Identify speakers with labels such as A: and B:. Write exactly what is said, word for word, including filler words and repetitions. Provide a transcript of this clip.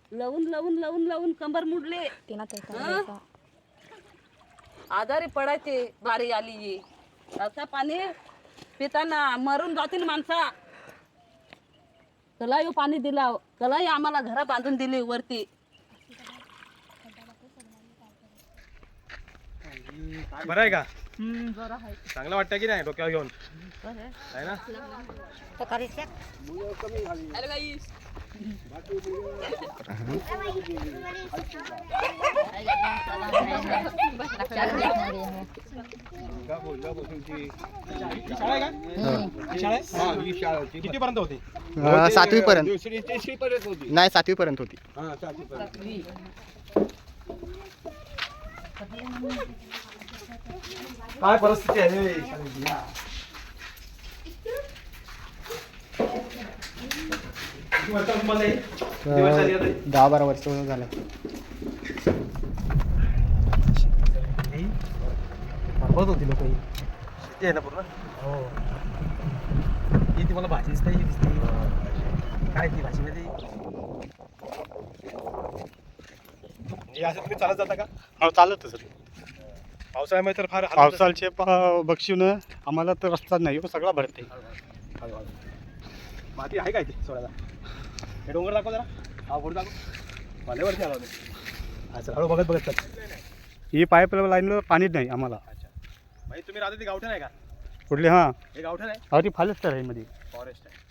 A: लावून लावून लावून लावून कंबर मुडले. हं? आजारी पडायचे बारी आली ये. असं पाणी पिताना मरून जातील माणसा. त्याला येऊ पाणी दिला, त्यालाही आम्हाला घरा बांधून दिली वरती.
B: बरं आहे का?
A: हम्म बरं आहे.
B: चांगलं वाटतं की नाही डोक्यावर घेऊन?
A: बरं आहे.
B: आहे ना?
A: अरे बाई.
B: किती पर्यंत होती?
C: सातवी पर्यंत
D: दुसरी तिसरी पर्यंत होती.
C: नाही सातवी पर्यंत होती.
D: हा सातवी पर्यंत.
B: काय परिस्थिती आहे शाळेची? किती वर्ष तुम्हाला आहे? किती वर्ष झाली आता?
C: दहा बारा वर्ष झालं.
B: बघत होती लोक शेती आहे ना पूर्ण. हो ही ती मला भाजी दिसते ही दिसते. काय ती भाजीमध्ये हे असं तुम्ही चालत जाता का?
C: हो चालत सर.
B: पावसाळ्यामध्ये तर फार हाल होत असेल.
C: पावसाळचे पा बक्षीन आम्हाला तर रस्ता नाही हो, सगळा भरते.
B: हळू हळू. माती आहे काय ती सोडायला? हे डोंगर दाखव जरा. हा बोट दाखव. मालेवरती आला होता. अच्छा हळू बघत बघत चल.
C: ही पाईप लाईनला पाणी नाही आम्हाला.
B: अच्छा म्हणजे तुम्ही राहता ती गावठण आहे का?
C: कुठली हां
B: हे गावठण आहे?
C: अहो ती फालच तर आहे मध्ये.
B: फॉरेस्ट आहे.